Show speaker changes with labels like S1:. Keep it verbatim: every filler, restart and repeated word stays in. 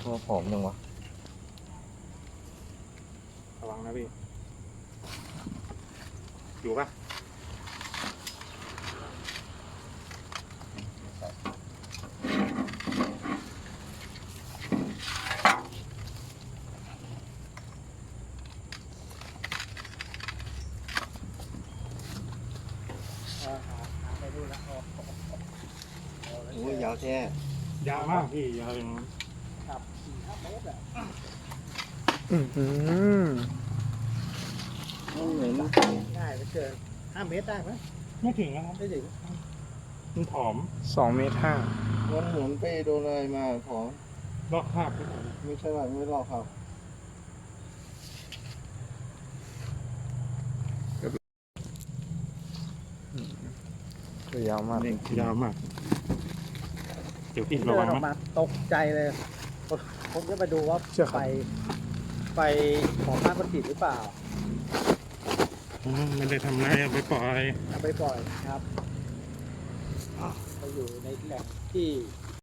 S1: ตัวผอมยังวะ
S2: ระวังนะพี่อยู่ปะ
S1: โอ้ยยาวแท้
S2: ยาวมากพี่ยาวถึง
S3: ครับสี่ห้าเมตรอ่ะ
S4: อือหือ
S1: มันเหมือน
S3: ง่ายไปเกินห้าเมตรได้ไหม
S2: ไม่ถึงนะครับ
S3: ไม่ถึง
S2: มันผอม
S4: สองเมตรห้า
S1: มันเหมือนไปโดนอะไรมาผอม
S2: ลอกคราบ
S1: ไม่ใช่ว่าไม่ลอกครับ
S4: ตัวยาวมาก
S2: เด็กยาวมากเดี๋ยวพี่ระ
S3: เดิ
S2: วัน ง
S3: ออก
S2: นะ
S3: มาตกใจเลย ผมจะไปดูว่าไฟไฟของบ้านมันติดหรือเปล่า
S2: อืมไม่ได้ทำอะไรเอาไปปล่อย
S3: เอาไปปล่อยครับไปอยู่ในแหล่งที่